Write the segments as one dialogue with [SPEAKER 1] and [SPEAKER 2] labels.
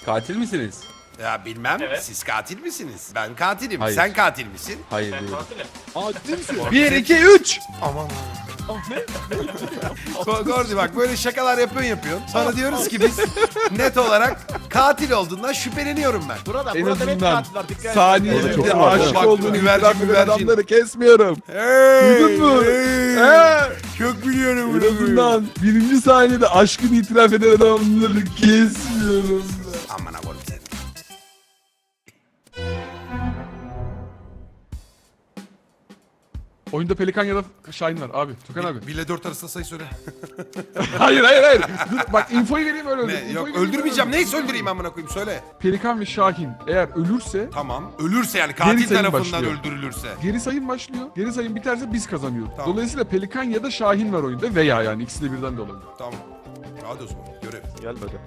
[SPEAKER 1] Katil misiniz?
[SPEAKER 2] Ya bilmem.
[SPEAKER 3] Evet.
[SPEAKER 2] Siz katil misiniz? Ben katilim.
[SPEAKER 1] Hayır.
[SPEAKER 2] Sen katil misin?
[SPEAKER 1] Hayır
[SPEAKER 3] Ben
[SPEAKER 1] değilim.
[SPEAKER 3] katilim.
[SPEAKER 4] Ciddi misin?
[SPEAKER 1] 1, 2, 3.
[SPEAKER 2] Aman. Gordi bak böyle şakalar yapıyorsun. Sonra diyoruz ki biz net olarak katil olduğundan şüpheleniyorum ben.
[SPEAKER 4] Burada
[SPEAKER 1] En
[SPEAKER 4] net
[SPEAKER 1] azından
[SPEAKER 4] katil var. Dikkat et.
[SPEAKER 1] saniyede
[SPEAKER 2] Bak,
[SPEAKER 1] aşık
[SPEAKER 2] bak,
[SPEAKER 1] olduğunu
[SPEAKER 2] güvercin,
[SPEAKER 1] itiraf eden
[SPEAKER 2] güvercin.
[SPEAKER 1] adamları kesmiyorum.
[SPEAKER 2] Hey,
[SPEAKER 1] Duydun mu?
[SPEAKER 2] hey. Çok biliyorum
[SPEAKER 1] En
[SPEAKER 2] bunu.
[SPEAKER 1] azından birinci saniyede aşkını itiraf eden adamları kesmiyorum.
[SPEAKER 2] Aman aborum sen.
[SPEAKER 5] Oyunda Pelikan ya da Şahin var abi. Tukan abi.
[SPEAKER 2] 1 ile 4 arasında sayı söyle.
[SPEAKER 5] hayır. Dur, bak infoyu vereyim öyle öldür.
[SPEAKER 2] Ne?
[SPEAKER 5] İnfoyu
[SPEAKER 2] Yok
[SPEAKER 5] vereyim,
[SPEAKER 2] öldürmeyeceğim.
[SPEAKER 5] öyle
[SPEAKER 2] Neyse öldüreyim amına koyayım söyle.
[SPEAKER 5] Pelikan ve Şahin eğer ölürse
[SPEAKER 2] Tamam. Ölürse yani katil
[SPEAKER 5] Geri sayım
[SPEAKER 2] tarafından
[SPEAKER 5] başlıyor.
[SPEAKER 2] öldürülürse.
[SPEAKER 5] geri sayım başlıyor. Geri sayım biterse biz kazanıyoruz.
[SPEAKER 2] Tamam.
[SPEAKER 5] Dolayısıyla Pelikan ya da Şahin var oyunda veya yani ikisi de birden de olabilir.
[SPEAKER 2] Tamam. Hadi o zaman görev.
[SPEAKER 4] Gelmedi.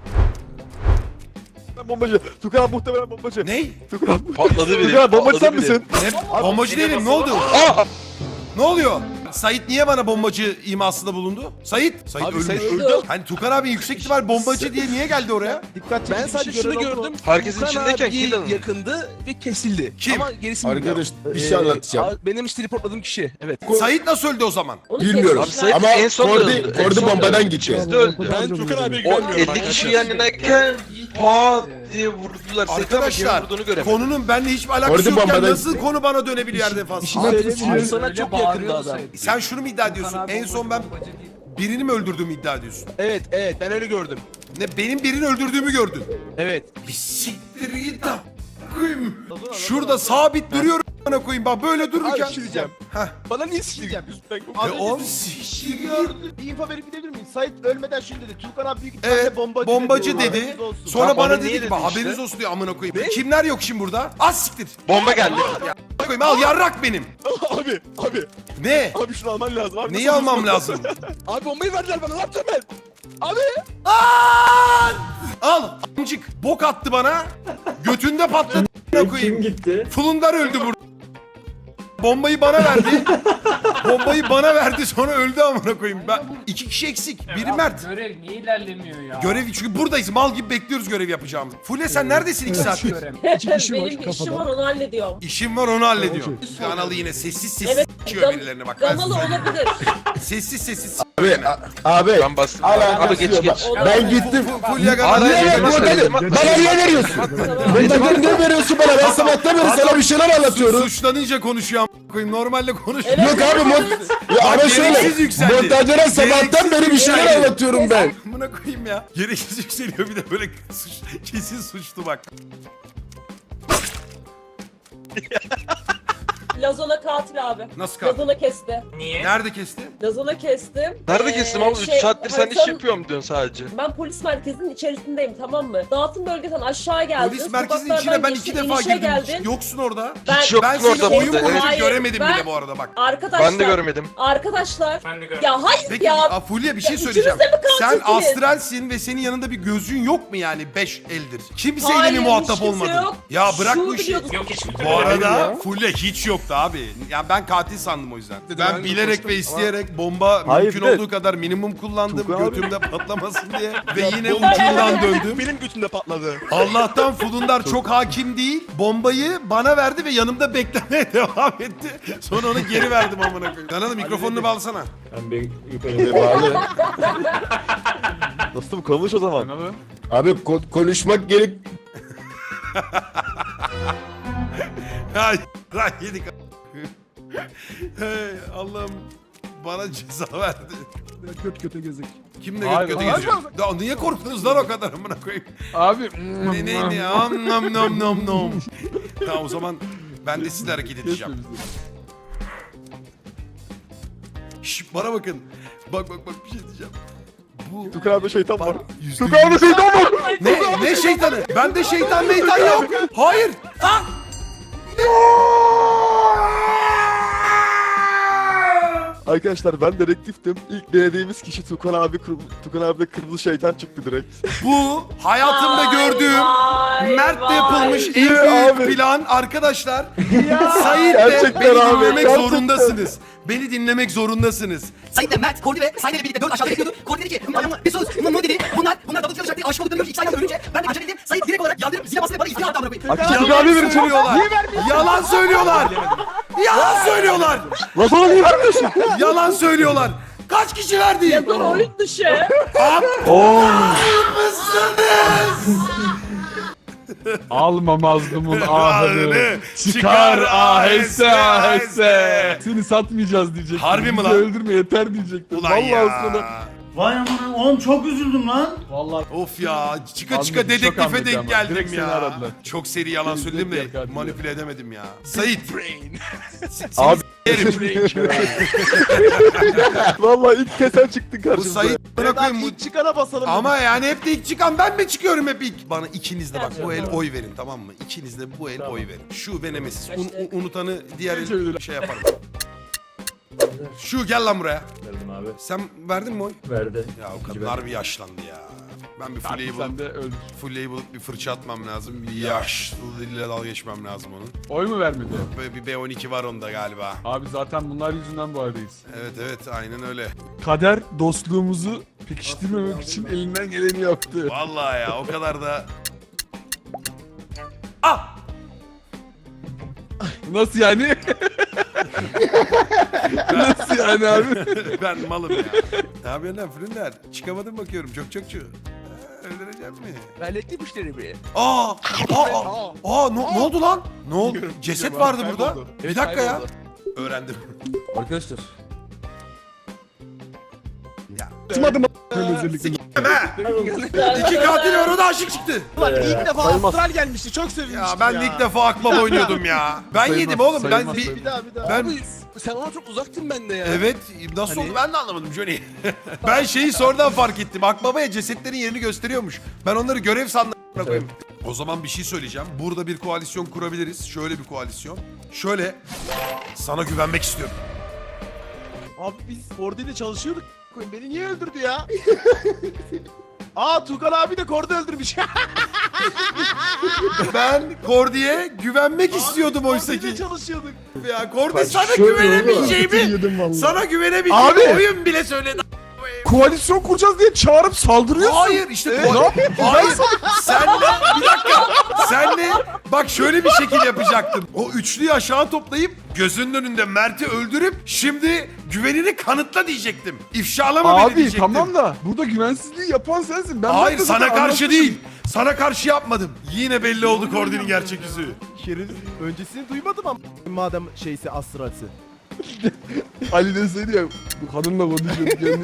[SPEAKER 4] Ben bombacı. Tukan abi muhtemelen bombacı.
[SPEAKER 2] Ney?
[SPEAKER 4] Tukan abi.
[SPEAKER 6] Patladı biri.
[SPEAKER 4] Tukan abi bombacı sen
[SPEAKER 6] patladı biri.
[SPEAKER 4] misin?
[SPEAKER 2] Ne? Bombacı değilim ne oldu? Ne oluyor? Sait niye bana bombacı imasında bulundu? Sait
[SPEAKER 4] Abi
[SPEAKER 2] ölmüş.
[SPEAKER 4] sen öldün.
[SPEAKER 2] Hani Tukan abi yüksek ihtimal bombacı diye niye geldi oraya?
[SPEAKER 4] Dikkat
[SPEAKER 7] Ben
[SPEAKER 4] çekici
[SPEAKER 7] sadece
[SPEAKER 4] bir
[SPEAKER 7] şunu
[SPEAKER 4] görev oldu.
[SPEAKER 7] gördüm.
[SPEAKER 6] Herkesin
[SPEAKER 7] Tukan
[SPEAKER 6] içindeyken
[SPEAKER 7] abi
[SPEAKER 6] kill alın.
[SPEAKER 7] yakındı ve kesildi.
[SPEAKER 2] Kim?
[SPEAKER 7] Ama gerisini bilmiyorum.
[SPEAKER 8] Arkadaş bir şey anlatacağım.
[SPEAKER 7] Benim işte reportladığım kişi. Evet.
[SPEAKER 2] Sait nasıl öldü o zaman?
[SPEAKER 8] Bilmiyorum
[SPEAKER 6] Abi Sait
[SPEAKER 8] ama
[SPEAKER 6] en son
[SPEAKER 8] Kordi,
[SPEAKER 6] öldü. En
[SPEAKER 8] Kordi
[SPEAKER 6] son
[SPEAKER 8] bombadan
[SPEAKER 6] öldü.
[SPEAKER 8] gitti.
[SPEAKER 6] Biz de öldü.
[SPEAKER 4] Ben Tukan abiye
[SPEAKER 6] O
[SPEAKER 4] güvenmiyorum.
[SPEAKER 6] 50 kişi yan yanayken pat diye vurdular. Sait ama kimin
[SPEAKER 2] Arkadaşlar
[SPEAKER 6] vurduğunu göremedim.
[SPEAKER 2] konunun benimle hiçbir alakası
[SPEAKER 8] Kordi
[SPEAKER 2] yokken
[SPEAKER 8] bombadan
[SPEAKER 2] nasıl konu bana dönebiliyor her defasında?
[SPEAKER 7] Abi sana çok yakındı adam.
[SPEAKER 2] Sen şunu mu iddia ediyorsun? En son ben birini mi öldürdüğümü iddia ediyorsun?
[SPEAKER 7] Evet ben öyle gördüm.
[SPEAKER 2] Ne benim birini öldürdüğümü gördün?
[SPEAKER 7] Evet.
[SPEAKER 2] Bir siktir git lan. Koyayım. Şurada sabit duruyorum bana koyayım bak böyle dururken.
[SPEAKER 4] Abi bir şey diyeceğim.
[SPEAKER 2] Heh.
[SPEAKER 4] Bana niye sikeceğim?
[SPEAKER 2] Oğlum siktir git.
[SPEAKER 4] Bir info verip gidebilir miyim? Sait ölmeden şunu dedi. Tukan abi büyük
[SPEAKER 2] Evet,
[SPEAKER 4] ihtimalle bombacı,
[SPEAKER 2] bombacı dedi.
[SPEAKER 4] Haberiniz olsun.
[SPEAKER 2] Sonra
[SPEAKER 6] Tamam,
[SPEAKER 2] bana
[SPEAKER 6] onu
[SPEAKER 2] dedi
[SPEAKER 6] niye
[SPEAKER 2] ki
[SPEAKER 6] dedin
[SPEAKER 2] haberiniz
[SPEAKER 6] işte?
[SPEAKER 2] olsun diyor amına koyayım. Kimler yok şimdi burada? Az siktir.
[SPEAKER 6] Bomba geldi.
[SPEAKER 2] Koyayım al yarrak benim.
[SPEAKER 4] Abi.
[SPEAKER 2] Ne?
[SPEAKER 4] Abi şunu alman lazım. Abi,
[SPEAKER 2] Neyi
[SPEAKER 4] nasıl
[SPEAKER 2] almam
[SPEAKER 4] bulursun?
[SPEAKER 2] lazım?
[SPEAKER 7] Abi bombayı verdiler bana. Ne yapacağım ben?
[SPEAKER 2] Al. Amcık bok attı bana. Götünde patladı amına koyayım.
[SPEAKER 9] Kim gitti?
[SPEAKER 2] Fulundar öldü burada. Bombayı bana verdi. Bombayı bana verdi sonra öldü amına koyayım. Ben iki kişi eksik. Biri Mert.
[SPEAKER 9] Görev niye ilerlemiyor ya?
[SPEAKER 2] Görev çünkü buradayız. Mal gibi bekliyoruz görev yapacağımızı. Fule sen neredesin 2 saattir?
[SPEAKER 9] Benim işim var onu hallediyorum.
[SPEAKER 2] İşim var onu hallediyorum. Kanalı yine sessiz sessiz
[SPEAKER 9] Evet,
[SPEAKER 2] s***yiyor birilerine bak. Ben size
[SPEAKER 9] Gamalı
[SPEAKER 2] söyleyeyim.
[SPEAKER 9] olabilir.
[SPEAKER 2] Sessiz sessiz
[SPEAKER 8] Abi, abi.
[SPEAKER 6] Ben bastım.
[SPEAKER 8] Alakası
[SPEAKER 6] Abi geç
[SPEAKER 8] yok.
[SPEAKER 6] geç.
[SPEAKER 8] Ben gittim.
[SPEAKER 2] Fulya
[SPEAKER 6] Abi,
[SPEAKER 2] Gamalı.
[SPEAKER 8] Niye
[SPEAKER 6] Elim
[SPEAKER 8] ver?
[SPEAKER 6] atma,
[SPEAKER 8] Bana niye veriyorsun? Bombadan ne veriyorsun bana? Ben sabahtan beri sana bir şeyler anlatıyorum.
[SPEAKER 2] Suçlanınca konuşuyor amına koyayım. Normalde konuşmuyor.
[SPEAKER 8] Yok abi ya ama şöyle
[SPEAKER 2] gereksiz yükseldi.
[SPEAKER 8] montajlara sabahtan
[SPEAKER 2] Gereksiz
[SPEAKER 8] beri bir şeyler
[SPEAKER 2] yükseldi.
[SPEAKER 8] anlatıyorum ben.
[SPEAKER 2] Amına koyayım ya. Gereksiz yükseliyor bir de böyle kesin suçlu bak.
[SPEAKER 10] Lazona katil abi.
[SPEAKER 2] Nasıl kaldı?
[SPEAKER 10] Lazona kesti.
[SPEAKER 3] Niye?
[SPEAKER 2] Nerede kesti?
[SPEAKER 10] Lazona kestim.
[SPEAKER 6] Nerede kestim abi? 3 saattir sen iş yapıyorum diyorsun sadece.
[SPEAKER 10] Ben polis merkezinin içerisindeyim tamam mı? Dağıtım bölgesinden aşağı geldim.
[SPEAKER 2] Polis merkezinin
[SPEAKER 10] Sokaklardan
[SPEAKER 2] içine ben
[SPEAKER 10] geçtim,
[SPEAKER 2] 2 defa
[SPEAKER 10] inişe
[SPEAKER 2] girdim.
[SPEAKER 10] geldin.
[SPEAKER 2] Yoksun orada.
[SPEAKER 6] Hiç yoktun
[SPEAKER 2] Ben seni
[SPEAKER 6] orada
[SPEAKER 2] oyun
[SPEAKER 6] burada.
[SPEAKER 2] boyunca
[SPEAKER 10] Hayır,
[SPEAKER 2] göremedim
[SPEAKER 10] ben-
[SPEAKER 2] bile bu arada bak.
[SPEAKER 10] Arkadaşlar.
[SPEAKER 6] Ben de göremedim.
[SPEAKER 10] Arkadaşlar.
[SPEAKER 3] Ben de gördüm.
[SPEAKER 10] Ya hayır
[SPEAKER 2] Peki
[SPEAKER 10] ya.
[SPEAKER 2] Fulya bir şey
[SPEAKER 10] Ya
[SPEAKER 2] söyleyeceğim.
[SPEAKER 10] ikiniz de mi
[SPEAKER 2] Sen
[SPEAKER 10] katilsiniz?
[SPEAKER 2] astralsin ve senin yanında bir gözlüğün yok mu yani 5 eldir? Kimseyle
[SPEAKER 10] Hayır,
[SPEAKER 2] mi
[SPEAKER 10] hiç
[SPEAKER 2] muhatap
[SPEAKER 10] kimse
[SPEAKER 2] olmadın?
[SPEAKER 10] yok.
[SPEAKER 2] Ya bırak
[SPEAKER 10] Şu
[SPEAKER 2] bu işi.
[SPEAKER 10] biliyordum.
[SPEAKER 3] Yok hiçbir
[SPEAKER 2] Bu arada Fulya hiç yoktu abi. Yani ben katil sandım o yüzden. Ben bilerek ve isteyerek bomba
[SPEAKER 4] Hayır,
[SPEAKER 2] mümkün
[SPEAKER 4] bir de-
[SPEAKER 2] olduğu kadar minimum kullandım.
[SPEAKER 4] Tugan abi-
[SPEAKER 2] Götümde patlamasın diye. Ve yine ucundan döndüm.
[SPEAKER 4] Benim götümde patladı.
[SPEAKER 2] Allah'tan Fulundar çok hakim değil. Bombayı bana verdi ve yanımda beklemeye devam etti. Sonra onu geri verdim amına koyayım. Kanalı mikrofonunu bağlasana.
[SPEAKER 9] Ben bir yukarı
[SPEAKER 8] Bağlı.
[SPEAKER 4] Dostum konuş o zaman.
[SPEAKER 5] Kanalı.
[SPEAKER 8] Abi konuşmak gerek.
[SPEAKER 2] Ay lan yedik. Hey Allah'ım bana ceza verdi.
[SPEAKER 5] Kötü kötü gezek.
[SPEAKER 2] Kim de
[SPEAKER 5] Hayır,
[SPEAKER 2] kötü
[SPEAKER 5] hayır.
[SPEAKER 2] geziyor? Ya niye korktunuz lan o kadar amına koyayım?
[SPEAKER 5] Abi.
[SPEAKER 2] Ne am nam nam nam nam. Tamam o zaman ben de sizle hareket edeceğim. Şşş bana bakın. Bak bir şey diyeceğim. Bu
[SPEAKER 4] Tukan abi şeytan var.
[SPEAKER 2] yüzde
[SPEAKER 4] Tukan abi şeytan var.
[SPEAKER 2] ne şeytanı? Bende şeytan meytan yok. Hayır. Ha?
[SPEAKER 4] Arkadaşlar ben dedektiftim. İlk denediğimiz kişi Tukan abi. Tukan abi de kırmızı şeytan çıktı direkt.
[SPEAKER 2] Bu hayatımda gördüğüm Mert'le yapılmış en büyük
[SPEAKER 4] Abi.
[SPEAKER 2] plan arkadaşlar. Sait de
[SPEAKER 4] Gerçekten
[SPEAKER 2] beni
[SPEAKER 4] abi,
[SPEAKER 2] dinlemek
[SPEAKER 4] gerçekten.
[SPEAKER 2] zorundasınız. Beni dinlemek zorundasınız.
[SPEAKER 11] Sait'le Mert, Kordi ve Sayne'yle birlikte 4 aşağıda bekliyordu. Kordi dedi ki, bir sus, dedi. Bunlar double kill olacaktı, aşık olduklarını görünce, 2 saniye ölünce ben de acele edeyim. Sait
[SPEAKER 4] Tukan abi verin çabuk.
[SPEAKER 2] söylüyorlar. Yalan söylüyorlar. Yalan söylüyorlar.
[SPEAKER 4] Lan bana niye vermiyorsun?
[SPEAKER 2] Yalan söylüyorlar. Kaç kişi verdi?
[SPEAKER 10] Dur oyun dışı.
[SPEAKER 1] Alma mazlumun ahını.
[SPEAKER 2] Ahını
[SPEAKER 1] Çıkar
[SPEAKER 2] çıkar
[SPEAKER 1] aheste
[SPEAKER 2] aheste.
[SPEAKER 1] aheste. Seni satmayacağız diyecektim.
[SPEAKER 2] Harbi mi
[SPEAKER 1] Bizi
[SPEAKER 2] lan?
[SPEAKER 1] öldürme yeter diyecektim.
[SPEAKER 2] Ulan
[SPEAKER 1] Vallahi
[SPEAKER 2] ya.
[SPEAKER 1] sana.
[SPEAKER 6] Vay aman oğlum çok üzüldüm lan.
[SPEAKER 2] Of ya çıka
[SPEAKER 1] Anladım,
[SPEAKER 2] çıka
[SPEAKER 1] çok
[SPEAKER 2] dedektife
[SPEAKER 1] anladım
[SPEAKER 2] denk
[SPEAKER 1] ama.
[SPEAKER 2] geldim
[SPEAKER 1] Direkt seni
[SPEAKER 2] ya.
[SPEAKER 1] aradılar.
[SPEAKER 2] Çok seri yalan söyledim
[SPEAKER 1] Direkt
[SPEAKER 2] de
[SPEAKER 1] geldi.
[SPEAKER 2] manipüle edemedim ya. Sait.
[SPEAKER 4] Abi.
[SPEAKER 2] Yerim.
[SPEAKER 4] Vallahi ilk kez sen çıktın
[SPEAKER 2] Bu
[SPEAKER 4] karşımıza.
[SPEAKER 2] Sait bana koyayım bu.
[SPEAKER 7] İlk çıkana basalım.
[SPEAKER 2] Ama yani hep de ilk çıkan ben mi çıkıyorum hep ilk? Bana ikiniz de bak bu el oy verin tamam mı? İkiniz de bu el oy verin. Şu ve Nemesis. Unutanı diğer el şey yaparım. Şu gel lan buraya.
[SPEAKER 9] Verdim abi.
[SPEAKER 2] Sen verdin mi oy?
[SPEAKER 9] Verdi.
[SPEAKER 2] Ya o kadınlar bir yaşlandı ya. Ben bir fulleyi
[SPEAKER 1] Sen
[SPEAKER 2] bulup,
[SPEAKER 1] de öldür.
[SPEAKER 2] fulleyi bulup bir fırça atmam lazım. Bir yaşlı diliyle dalga geçmem lazım onun.
[SPEAKER 1] Oy mu vermedi?
[SPEAKER 2] Böyle bir B12 var onda galiba.
[SPEAKER 1] Abi zaten bunlar yüzünden bu aradayız.
[SPEAKER 2] Evet aynen öyle.
[SPEAKER 1] Kader dostluğumuzu pekiştirmemek için elinden geleni yaptı.
[SPEAKER 2] Vallahi ya o kadar da... Ah!
[SPEAKER 1] Nasıl yani? Nasıl yani abi?
[SPEAKER 2] Ben malım ya. Ne yapıyorsun lan Fırınder? Çıkamadım bakıyorum çokçu. Öldüreceğim mi?
[SPEAKER 7] Ben elektrikli müşterimi.
[SPEAKER 2] Aa ne oldu lan? Ne oldu? Ceset vardı burada.
[SPEAKER 1] Kayboldu.
[SPEAKER 2] Bir dakika ya.
[SPEAKER 7] kayboldu.
[SPEAKER 2] Öğrendim.
[SPEAKER 7] Arkadaşlar.
[SPEAKER 1] Tutmadım özellikle.
[SPEAKER 2] İki katil var o da aşık çıktı.
[SPEAKER 7] İlk defa
[SPEAKER 4] sayılmaz.
[SPEAKER 7] Astral gelmişti. Çok sevinmiştim
[SPEAKER 2] Ya ben de ilk defa akbaba oynuyordum ya. Ben
[SPEAKER 1] Sayılmaz,
[SPEAKER 2] yedim oğlum.
[SPEAKER 1] sayılmaz,
[SPEAKER 2] Ben
[SPEAKER 1] sayılmaz.
[SPEAKER 2] ben
[SPEAKER 7] Abi sen ona çok uzaktın bende ya.
[SPEAKER 2] evet nasıl
[SPEAKER 7] Hani-
[SPEAKER 2] oldu ben de anlamadım Johnny. Ben şeyi sonradan fark ettim. Akbabaya cesetlerin yerini gösteriyormuş. Ben onları görev sandım. Koyayım. O zaman bir şey söyleyeceğim. Burada bir koalisyon kurabiliriz. Şöyle bir koalisyon. Şöyle sana güvenmek istiyorum.
[SPEAKER 7] Abi biz Kordi'yle çalışıyorduk. Beni niye öldürdü ya? Tukan abi de Kordi öldürmüş.
[SPEAKER 2] Ben Kordi'ye güvenmek istiyordum oysa
[SPEAKER 7] Kordi'yle
[SPEAKER 2] ki.
[SPEAKER 7] çalışıyorduk.
[SPEAKER 2] Ya Kordi sana güvenemeyeceğimi, sana güvenemeyeceğimi
[SPEAKER 1] Abi!
[SPEAKER 2] oyun bile söyledi.
[SPEAKER 1] Koalisyon kuracağız diye çağırıp saldırıyorsun.
[SPEAKER 2] Hayır işte
[SPEAKER 1] Ne yapayım?
[SPEAKER 2] Hayır. Senle bir dakika. Senle bak şöyle bir şekil yapacaktım. O üçlüyü aşağı toplayıp gözünün önünde Mert'i öldürüp şimdi güvenini kanıtla diyecektim. İfşalama beni
[SPEAKER 1] Abi
[SPEAKER 2] diyecektim.
[SPEAKER 1] tamam da burada güvensizliği yapan sensin. Ben
[SPEAKER 2] Hayır
[SPEAKER 1] zaten
[SPEAKER 2] sana karşı
[SPEAKER 1] anlatmışım.
[SPEAKER 2] değil. Sana karşı yapmadım. Yine belli oldu Kordi'nin gerçek yüzü.
[SPEAKER 7] Şerif öncesini duymadım ama madem şeysi astralsi.
[SPEAKER 1] Ali deseydi ya bu kadınla konuşuyorduk kendini.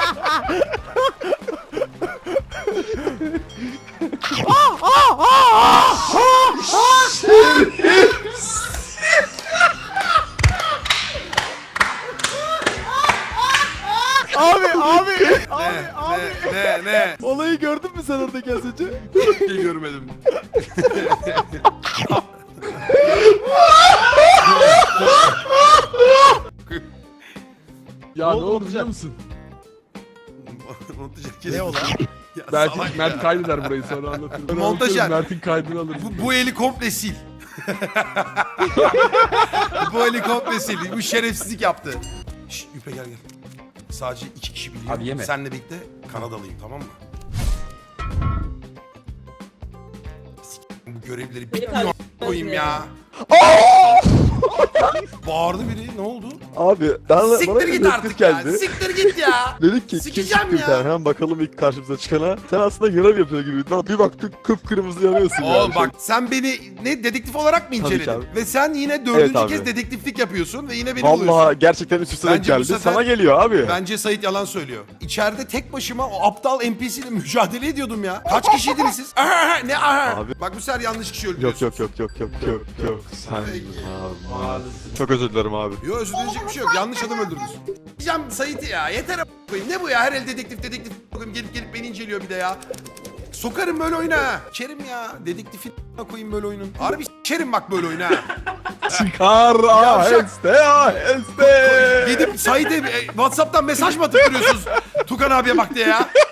[SPEAKER 2] Ne?
[SPEAKER 7] Olayı gördün mü sen oradaki az önce?
[SPEAKER 2] İyi görmedim.
[SPEAKER 1] Ya ne
[SPEAKER 7] oldu
[SPEAKER 1] oldu
[SPEAKER 7] olacak?
[SPEAKER 1] biliyor musun?
[SPEAKER 2] Ne o lan?
[SPEAKER 1] Belki Mert kaydeder burayı sonra anlatırım. Ben
[SPEAKER 2] Montajer.
[SPEAKER 1] anlatıyorum, Mert'in kaydını alırım.
[SPEAKER 2] Bu eli komple sil. Bu eli komple sil. Bu şerefsizlik yaptı. Şşş Yüpe gel. Sadece 2 kişi biliyor.
[SPEAKER 1] Abi yeme.
[SPEAKER 2] Senle birlikte Kanadalıyım tamam mı? Bu görevleri bitmiyor koyayım ya. Bağırdı biri ne oldu?
[SPEAKER 4] Abi bana
[SPEAKER 2] Siktir git
[SPEAKER 4] dedektif
[SPEAKER 2] artık ya.
[SPEAKER 4] geldi.
[SPEAKER 2] Siktir git ya.
[SPEAKER 4] Dedik ki kim
[SPEAKER 2] Sikeceğim
[SPEAKER 4] çıktı bir
[SPEAKER 2] ya.
[SPEAKER 4] tane hemen bakalım ilk karşımıza çıkana. Sen aslında görev yapıyor gibi. Lan bir baktık kıpkırmızı yanıyorsun
[SPEAKER 2] Oğlum
[SPEAKER 4] yani.
[SPEAKER 2] bak sen beni ne dedektif olarak mı
[SPEAKER 4] Tabii ki
[SPEAKER 2] inceledin?
[SPEAKER 4] abi.
[SPEAKER 2] Ve sen yine dördüncü
[SPEAKER 4] Evet
[SPEAKER 2] kez
[SPEAKER 4] abi.
[SPEAKER 2] dedektiflik yapıyorsun ve yine beni buluyorsun.
[SPEAKER 4] Vallahi gerçekten üst üste denk
[SPEAKER 2] Bence bu
[SPEAKER 4] geldi.
[SPEAKER 2] sefer-
[SPEAKER 4] Sana geliyor abi.
[SPEAKER 2] Bence Sait yalan söylüyor. İçeride tek başıma o aptal NPC ile mücadele ediyordum ya. Kaç kişiydiniz siz? Ne aha?
[SPEAKER 4] Abi.
[SPEAKER 2] Bak bu sefer yanlış kişi
[SPEAKER 4] Yok
[SPEAKER 2] öldürüyorsun.
[SPEAKER 4] yok. Sen abi. Çok özür dilerim abi.
[SPEAKER 2] Yok özür dileyecek bir şey yok. Yanlış adam öldürdünüz. Diyeceğim Sait'i ya. Yeter a**ına koyayım. Ne bu ya? Her el dedektif koyayım. Gelip beni inceliyor bir de ya. Sokarım böyle oyuna ha. Çerim ya. Dedektifin a**ına koyayım böyle oyunun. Harbi s**erim bak böyle oyuna ha.
[SPEAKER 1] Çıkar aheste aheste.
[SPEAKER 2] Gidip Sait'e WhatsApp'tan mesaj mı atıp duruyorsunuz? Tukan abiye bak diye ya.